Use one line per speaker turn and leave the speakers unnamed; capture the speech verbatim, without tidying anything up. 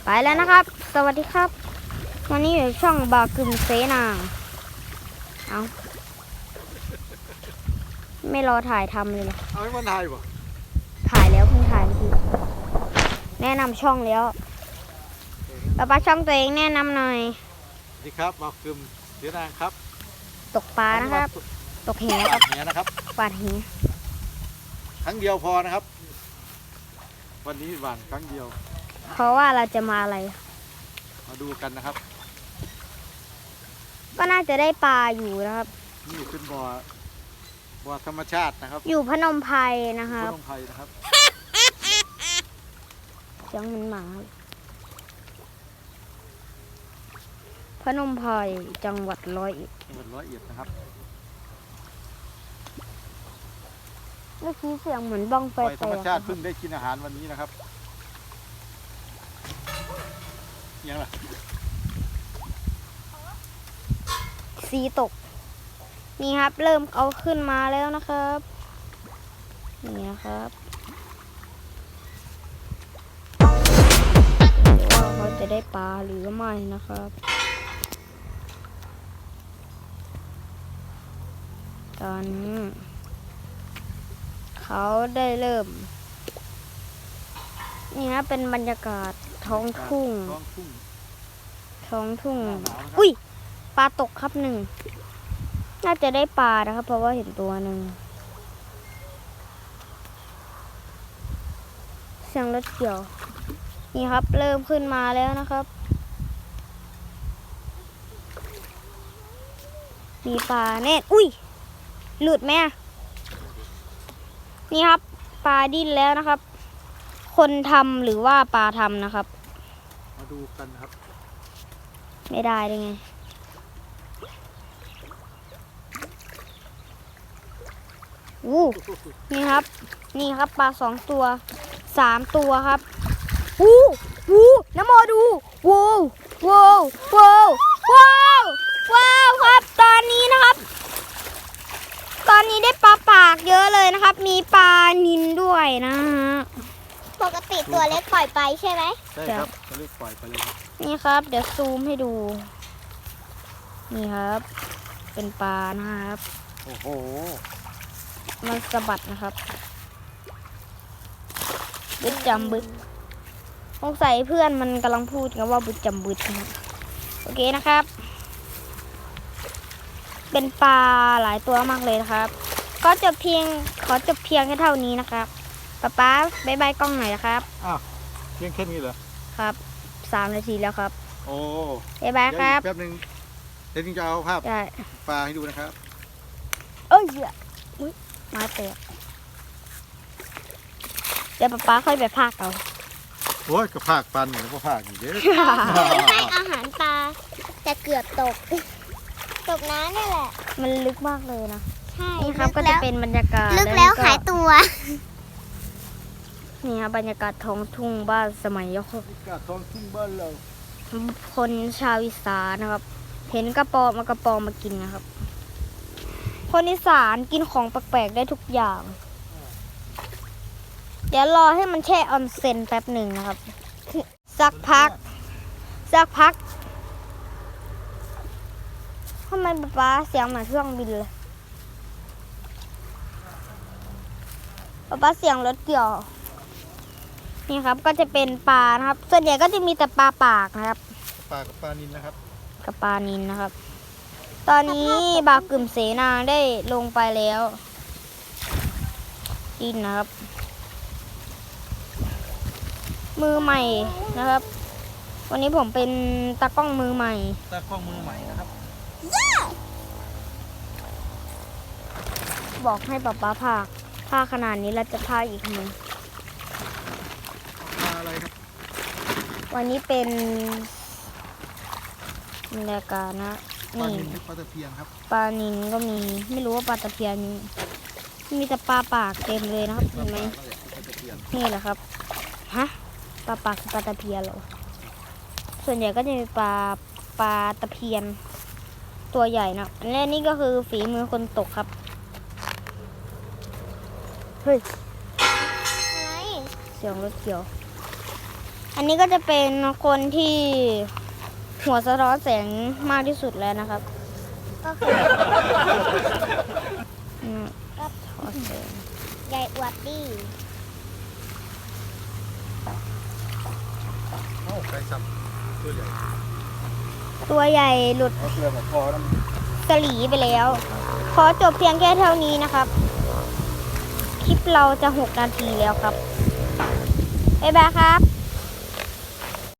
ไปแล้วนะครับสวัสดีครับวันนี้อยู่ช่องบากึมเสนางเอาไม่รอถ่ายทำเลยเหรอ
เอาให้มันถ่ายป่ะ
ถ่ายแล้วเพิ่งถ่ายเมื่อกี้แนะนำช่องแล้วป้าป้าช่องตัวเองแนะนำหน่อย
สวัสดีครับบากึมเสนางครับ
ตกปลานะครับตกแหครับ
แหนะครับ
ปาดแห
ครั้งเดียวพอนะครับวันนี้หวานครั้งเดียว
เพราะว่าเราจะมาอะไร
มาดูกันนะครับ
ก็น่าจะได้ปลาอยู่นะครับ
นี่เป็นบ่อบ่อธรรมชาตินะครับ
อยู่พนมไพรนะครับ
พนมไพรนะครับ
เสียงมันหมาพนมไพรจังหวัดร้อยเอ็ด
จังหวัดร้อยเอ็ดนะครับ
เมื่อกี้เสียงเหมือนบ้องไฟ
ธรรมชาติเพิ่งได้กินอาหารวันนี้นะครับยังล่ะ
สีตกนี่ครับเริ่มเอาขึ้นมาแล้วนะครับนี่นะครับเดี๋ยวว่าเขาจะได้ปลาหรือไม่นะครับตอนนี้เขาได้เริ่มนี่นะเป็นบรรยากาศท้องทุ่ง
ท้องทุ่ง
ท้องทุ่งอุ้ยปลาตกครับหนึ่งน่าจะได้ปลานะครับเพราะว่าเห็นตัวหนึ่งเสียงรถเกี่ยวนี่ครับเริ่มขึ้นมาแล้วนะครับมีปลาเน่อุ้ยหลุดไหมนี่ครับปลาดิ้นแล้วนะครับคนทำหรือว่าปลาทำนะครับ
มาดูกันครับ
ไม่ได้ได้ไงอู้นี่ครับนี่ครับปลาสองตัวสามตัวครับอู้อู้น้ำโมดูว้าวว้าวว้าวว้าวว้าวครับตอนนี้นะครับตอนนี้ได้ปลาปากเยอะเลยนะครับมีปลานิลด้วยนะฮะ
ปกติตัวเล็กปล่อยไปใช่ไหม
ใช่ครับตัวเล็กปล่อยไปเลยครับ
นี่ครับเดี๋ยวซูมให้ดูนี่ครับเป็นปลานะครับ
โอ้โห
มันสะบัดนะครับบึดจำบึดสงสัยเพื่อนมันกำลังพูดกันว่าบึดจำบึดนะโอเคนะครับเป็นปลาหลายตัวมากเลยนะครับก็จบเพียงขอจบเพียงแค่เท่านี้นะครับป๊าป๊าบายบายกล้องหน่อยนะครับ
อ้าวเพียงแค่นี้เหรอ
ครับสามนาทีแล้วครับ
โอ้
บายบายครับ
แป๊บนึงเดี๋ยวจะเอาภาพปลาให้ดูนะครับ
เอ้ยอุ้ยมาเตะเดี๋ยวป๊าป๊าค่อยไปพากเอา
โอ้ยก็พากปลาหนึ่งก็พากอยู่เด้อ
ให้อาหารปลาแต่เกือบตกตกน้ำนี่แหละ
มันลึกมากเลยนะ
ใช่
นี่ครับก็จะเป็นบรรยากาศ
ลึกแล้วหายตัว
นี่ครับบรรยากาศท้องทุ่งบ้านสมัยยก
บรรยากาศท้องทุ่งบ้านเรา
คนชาวอีสานนะครับเห็นกระปอมมากระปอมมากินนะครับคนอีสานกินของแปลกๆได้ทุกอย่างเดี๋ยวรอให้มันแช่ออนเซ็นแป๊บหนึ่งนะครับสักพักสักพักทำไมป๊าป๊าเสียงเหมือนเครื่องบินเลยป๊าป๊าเสียงรถเกี่ยวนี่ครับก็จะเป็นปลานะครับส่วนใหญ่ก็จะมีแต่ปลาปากนะครับ
ปลากับปลานิลนะครับ
กับปลานิลนะครับตอนนี้บากึ่มเสนางได้ลงไปแล้วดินนะครับมือใหม่นะครับวันนี้ผมเป็นตากล้องมือใหม่
ตากล้องมือใหม่นะครับ
บอกให้ป๊าป๊าพากพากขนาดนี้เราจะพากอีกมั้ย
ปลาอะไรครับ
วันนี้เป็นบรรยากาศนะ
นี่ปลาตะเพียนครับ
ปลานิลก็มีไม่รู้ว่าปลาตะเพียนมีแต่ปลาปากเต็มเลยนะครับเห็นไหมนี่แหละครับฮะปลาปากคือปลาตะเพียนเหรอส่วนใหญ่ก็จะมีปลาปลาตะเพียนตัวใหญ่นะและนี่ก็คือฝีมือคนตกครับเฮ้ย
อะไร
เสียงรถเกี่ยวอันนี้ก็จะเป็นคนที่หัวสะท้อนแสงมากที่สุดแล้วนะครับ
ก็คือ
อืมสะท้อนแสง
ใหญ่อวดดี
เอ้าใครซ้ำตัวใหญ่
ตัวใหญ่หลุด
เอาเกลือบอกพอแล้ว
สลีไปแล้ว ขอจบเพียงแค่เท่านี้นะครับ คลิปเราจะหกนาทีแล้วครับ บ๊ายบายครับ